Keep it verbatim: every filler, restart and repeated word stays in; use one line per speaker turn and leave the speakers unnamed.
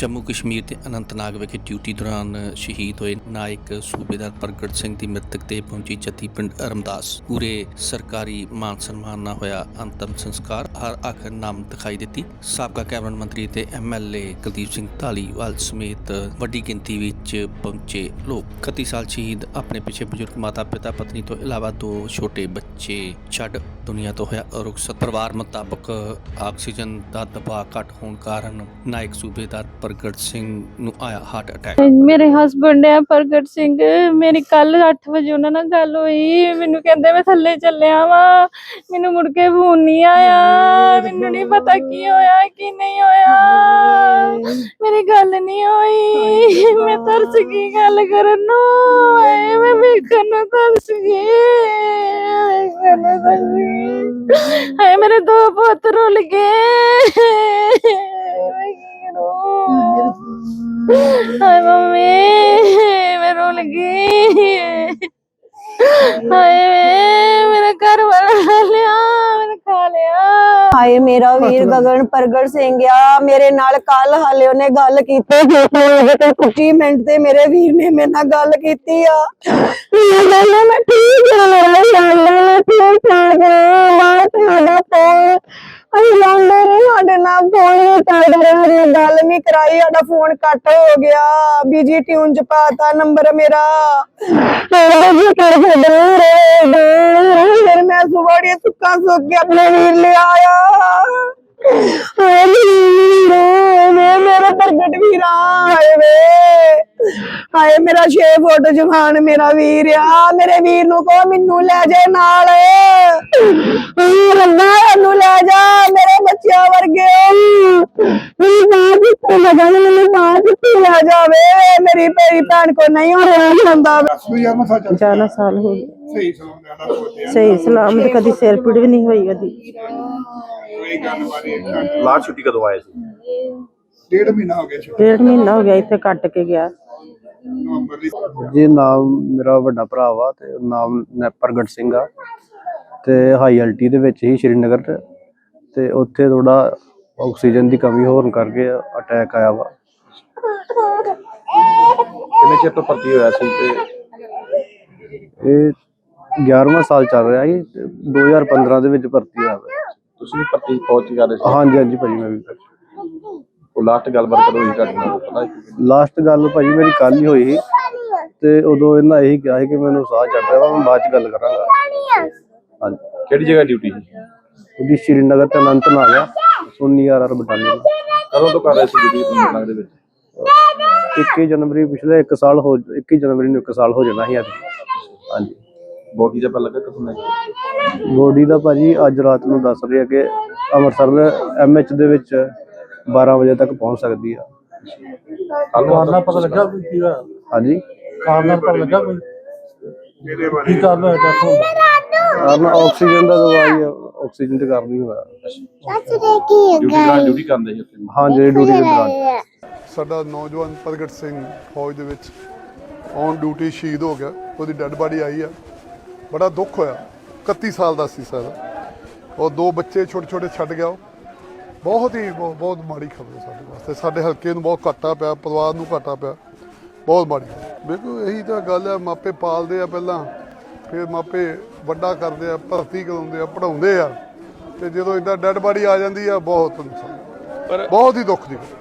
जम्मू कश्मीर के अनंतनाग विखे ड्यूटी दौरान शहीद होए नायक सूबेदार प्रगट सिंह की मृतक देह पहुंची जत्ती पिंड अरमदास। पूरे सरकारी मान सम्मान ना होया अंतिम संस्कार। हर आखिर नाम दिखाई दी। साबका कैबिनेट मंत्री ते M L A Kuldeep Singh Dhaliwal समेत वड्डी गिनती विच पहुंचे लोग। इकत्ती साल शहीद अपने पिछे बजुर्ग माता पिता पत्नी तो इलावा दो छोटे बच्चे छड्ड दुनिया तो होया रुखसत। परिवार मुताबक आक्सीजन का दबाव घट होने कारण नायक सूबेदार प्रगट सिंह ਨੂੰ ਆਇਆ ਹਾਰਟ ਅਟੈਕ।
ਮੇਰੇ ਹਸਬੰਡ ਹੈ ਪ੍ਰਗਟ ਸਿੰਘ। ਮੇਰੀ ਕੱਲ ਅੱਠ ਵਜੇ ਉਹਨਾਂ ਨਾਲ ਗੱਲ ਹੋਈ। ਮੈਨੂੰ ਕਹਿੰਦੇ ਮੈਂ ਥੱਲੇ ਚੱਲਿਆ ਵਾਂ, ਮੈਨੂੰ ਮੁੜ ਕੇ ਫੋਨ ਨਹੀਂ ਆਇਆ। ਮੈਨੂੰ ਨਹੀਂ ਪਤਾ ਕੀ ਹੋਇਆ ਕੀ ਨਹੀਂ ਹੋਇਆ, ਮੇਰੀ ਗੱਲ ਨਹੀਂ ਹੋਈ। ਮੈਂ ਤਰਸ ਗਈ ਗੱਲ ਕਰਨ ਨੂੰ, ਹਾਏ ਮੈਂ ਵੇਖਣ ਨੂੰ ਤਰਸ ਗਈ, ਵੇਖਣ ਨੂੰ ਤਰਸ ਗਈ। ਹਾਏ ਮੇਰੇ ਦੋ ਪੁੱਤ ਰੁੱਲ ਗਏ। हाय मम्मी मैं रोने लगी। हाय मेरा घर वाला खा लिया, मैंने खा लिया।
हाय मेरा वीर गगन प्रगट सिंह आ मेरे नाल कल हाले उन्हें गल कीती। कुछ मिनट ते मेरे वीर ने मेरे नाल गल कीती आ। मैं ठीक गल नहीं कराई, साडा फोन कट हो गया, बिजी ट्यून च पाता नंबर मेरा। फिर मैं सुबह तुक्का सुख के अपने वीर ले आया। मेरा प्रगट वीर हाय वे हाय मेरा छे फुट जवान मेरा वीर आ। मेरे वीर नू कहो मैनू ले जाए नाल, मैनू ले जा मेरे बच्चियां वर्गे। ले जावे मेरी मेरी भैन को नहीं हो रहा।
ज्यादा साल हो गए सही सलामत, कदी सिर पीड़ भी नहीं हुई कदी।
लास्ट छुट्टी कदों आए सी?
डेढ़ महीना हो गया डेढ़ महीना हो गया इत्थे कट के गया
जी। नाम मेरा वड्डा भरा वा ते नाम प्रगट सिंह आ ते हाई एल्टी दे विच ही श्रीनगर ते उत्थे थोड़ा ऑक्सीजन की कमी होने करके अटैक आया वा।
किन्ने चिर तो भर्ती होया सी ते
ਇਹ ग्यारहवां साल चल रहा है। दो हज़ार पंद्रह ਦੇ ਵਿੱਚ ਭਰਤੀ ਹੋਇਆ ਵਾ।
ਤੁਸੀਂ ਵੀ ਭਰਤੀ ਫੌਜ ਚ ਕਰ ਰਹੇ ਸੀ?
ਹਾਂਜੀ ਹਾਂਜੀ ਭਾਜੀ, ਮੈਂ ਵੀ
ਉਹ ਲਾਸਟ ਗੱਲਬਾਤ ਕਦੋਂ ਹੋਈ ਤੁਹਾਡੇ ਨਾਲ ਪਤਾ?
ਲਾਸਟ ਗੱਲ ਭਾਜੀ ਮੇਰੀ ਕੱਲ ਹੀ ਹੋਈ ਸੀ ਤੇ ਉਦੋਂ ਇਹਨਾਂ ਇਹੀ ਕਿਹਾ ਸੀ ਕਿ ਮੈਨੂੰ ਸਾਹ ਚੜ ਰਿਹਾ ਵਾ, ਮੈਂ ਬਾਅਦ ਚ ਗੱਲ ਕਰਾਂਗਾ। ਹਾਂਜੀ।
ਕਿਹੜੀ ਜਗ੍ਹਾ ਡਿਊਟੀ ਸੀ?
ਉਹਦੀ ਸ਼੍ਰੀਨਗਰ ਤੇ ਅਨੰਤਨਾਗ ਆ ਸੋਨੀ ਆਰ ਆਰ ਬਟਾਲੀਅਨ।
ਕਦੋਂ ਤੋਂ ਕਰ ਰਹੇ ਸੀ ਡਿਊਟੀ ਅਨੰਤਨਾਗ ਦੇ ਵਿੱਚ?
ਇੱਕੀ ਜਨਵਰੀ ਪਿਛਲੇ ਇੱਕ ਸਾਲ ਹੋ ਇੱਕੀ ਜਨਵਰੀ ਨੂੰ ਇੱਕ ਸਾਲ ਹੋ ਜਾਣਾ ਸੀ ਅੱਜ। ਹਾਂਜੀ।
ਬੋਡੀ ਦਾ ਪਤਾ ਲੱਗਾ ਕਦੋਂ ਲੱਗਾ?
ਬੋਡੀ ਦਾ ਭਾਜੀ ਅੱਜ ਰਾਤ ਨੂੰ ਦੱਸ ਰਹੇ ਆ ਕਿ ਅੰਮ੍ਰਿਤਸਰ ਐਮ ਐਚ ਦੇ ਵਿੱਚ ਬਾਰਾਂ ਵਜੇ ਤੱਕ ਪਹੁੰਚ ਸਕਦੀ ਆ।
ਕਾਰਨ ਪਤਾ ਲੱਗਾ ਕੀ ਹੋਇਆ?
ਹਾਂਜੀ,
ਕਾਰਨ ਪਤਾ ਲੱਗਾ ਕੋਈ ਕੀ ਕਾਰਨ ਹੋਇਆ?
ਕਾਰਨ ਆਕਸੀਜਨ ਦਾ ਦਵਾਈ ਆਕਸੀਜਨ ਤੇ ਕਾਰਨ ਹੀ ਹੋਇਆ।
ਡਿਊਟੀ ਡਿਊਟੀ ਕਰਦੇ ਸੀ?
ਹਾਂ ਜੀ, ਡਿਊਟੀ ਦੇ ਦੌਰਾਨ
ਸਾਡਾ ਨੌਜਵਾਨ ਪ੍ਰਗਟ ਸਿੰਘ ਫੌਜ ਦੇ ਵਿੱਚ ਔਨ ਡਿਊਟੀ ਸ਼ਹੀਦ ਹੋ ਗਿਆ। ਉਹਦੀ ਡੈੱਡ ਬਾਡੀ ਆਈ ਆ, ਬੜਾ ਦੁੱਖ ਹੋਇਆ। ਇਕੱਤੀ ਸਾਲ ਦਾ ਸੀ ਸਰ, ਉਹ ਦੋ ਬੱਚੇ ਛੋਟੇ ਛੋਟੇ ਛੱਡ ਗਿਆ। ਉਹ ਬਹੁਤ ਹੀ ਬਹੁਤ ਬਹੁਤ ਮਾੜੀ ਖਬਰ ਸਾਡੇ ਵਾਸਤੇ, ਸਾਡੇ ਹਲਕੇ ਨੂੰ ਬਹੁਤ ਘਾਟਾ ਪਿਆ, ਪਰਿਵਾਰ ਨੂੰ ਘਾਟਾ ਪਿਆ, ਬਹੁਤ ਮਾੜੀ। ਦੇਖੋ ਇਹੀ ਤਾਂ ਗੱਲ ਹੈ, ਮਾਪੇ ਪਾਲਦੇ ਆ ਪਹਿਲਾਂ, ਫਿਰ ਮਾਪੇ ਵੱਡਾ ਕਰਦੇ ਆ, ਭਰਤੀ ਕਰਾਉਂਦੇ ਆ, ਪੜ੍ਹਾਉਂਦੇ ਆ, ਅਤੇ ਜਦੋਂ ਇੱਦਾਂ ਡੈੱਡ ਬਾਡੀ ਆ ਜਾਂਦੀ ਆ ਬਹੁਤ ਨੁਕਸਾਨ, ਬਹੁਤ ਹੀ ਦੁੱਖ ਦੀ ਗੱਲ।